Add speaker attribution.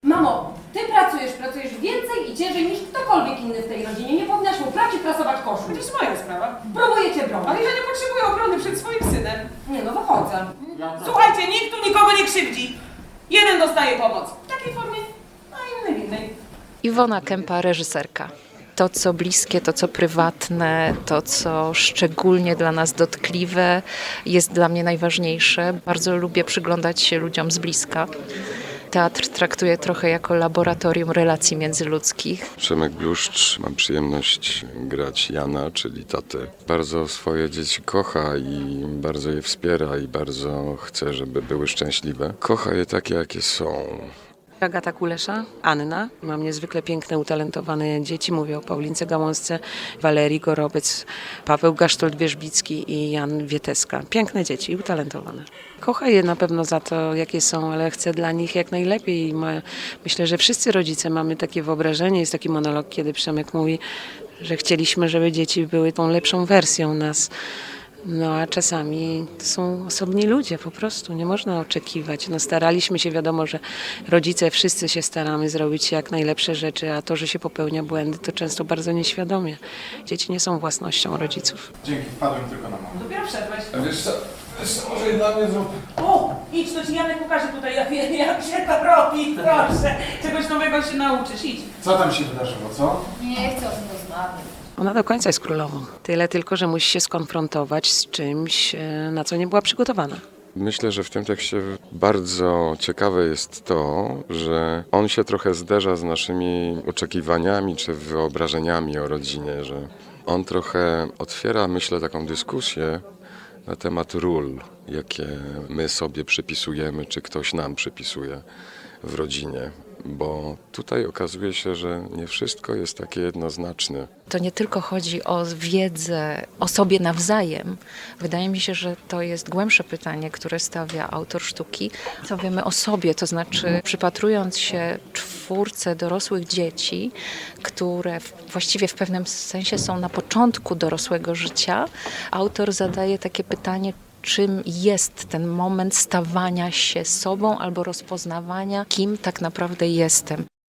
Speaker 1: Mamo, ty pracujesz więcej i ciężej niż ktokolwiek inny w tej rodzinie. Nie powinnaś mu prać i prasować koszul.
Speaker 2: To jest moja sprawa.
Speaker 1: Próbuję cię bronić.
Speaker 2: Ale ja nie potrzebuję obrony przed swoim synem.
Speaker 1: Nie no, wychodzę.
Speaker 2: Słuchajcie, nikt tu nikogo nie krzywdzi. Jeden dostaje pomoc w takiej formie, a inny w innej.
Speaker 3: Iwona Kępa, reżyserka. To, co bliskie, to, co prywatne, to, co szczególnie dla nas dotkliwe, jest dla mnie najważniejsze. Bardzo lubię przyglądać się ludziom z bliska. Teatr traktuję trochę jako laboratorium relacji międzyludzkich.
Speaker 4: Przemek Bluszcz, mam przyjemność grać Jana, czyli tatę. Bardzo swoje dzieci kocha i bardzo je wspiera i bardzo chce, żeby były szczęśliwe. Kocha je takie, jakie są.
Speaker 5: Agata Kulesza, Anna. Mam niezwykle piękne, utalentowane dzieci. Mówię o Paulince Gałązce, Walerii Gorobec, Paweł Gasztold-Wierzbicki i Jan Wieteska. Piękne dzieci, utalentowane. Kocha je na pewno za to, jakie są, ale chce dla nich jak najlepiej. I myślę, że wszyscy rodzice mamy takie wyobrażenie. Jest taki monolog, kiedy Przemek mówi, że chcieliśmy, żeby dzieci były tą lepszą wersją nas. No a czasami to są osobni ludzie, po prostu nie można oczekiwać. No staraliśmy się, wiadomo, że rodzice wszyscy się staramy zrobić jak najlepsze rzeczy, a to, że się popełnia błędy, to często bardzo nieświadomie. Dzieci nie są własnością rodziców.
Speaker 6: Dzięki, wpadłem tylko na moment.
Speaker 2: Dopiero wszedłeś.
Speaker 6: A wiesz co, może i dla mnie zrób.
Speaker 2: O, idź, to ci Janek pokaże tutaj, jak się to robi, proszę. Czegoś nowego się nauczysz, idź.
Speaker 6: Co tam się wydarzyło, co?
Speaker 1: Nie chcę o tym rozmawiać.
Speaker 5: Ona do końca jest królową. Tyle tylko, że musi się skonfrontować z czymś, na co nie była przygotowana.
Speaker 4: Myślę, że w tym tekście bardzo ciekawe jest to, że on się trochę zderza z naszymi oczekiwaniami czy wyobrażeniami o rodzinie, że on trochę otwiera, myślę, taką dyskusję na temat ról, jakie my sobie przypisujemy, czy ktoś nam przypisuje w rodzinie. Bo tutaj okazuje się, że nie wszystko jest takie jednoznaczne.
Speaker 3: To nie tylko chodzi o wiedzę o sobie nawzajem. Wydaje mi się, że to jest głębsze pytanie, które stawia autor sztuki. Co wiemy o sobie, to znaczy przypatrując się czwórce dorosłych dzieci, które właściwie w pewnym sensie są na początku dorosłego życia, autor zadaje takie pytanie, czym jest ten moment stawania się sobą albo rozpoznawania, kim tak naprawdę jestem.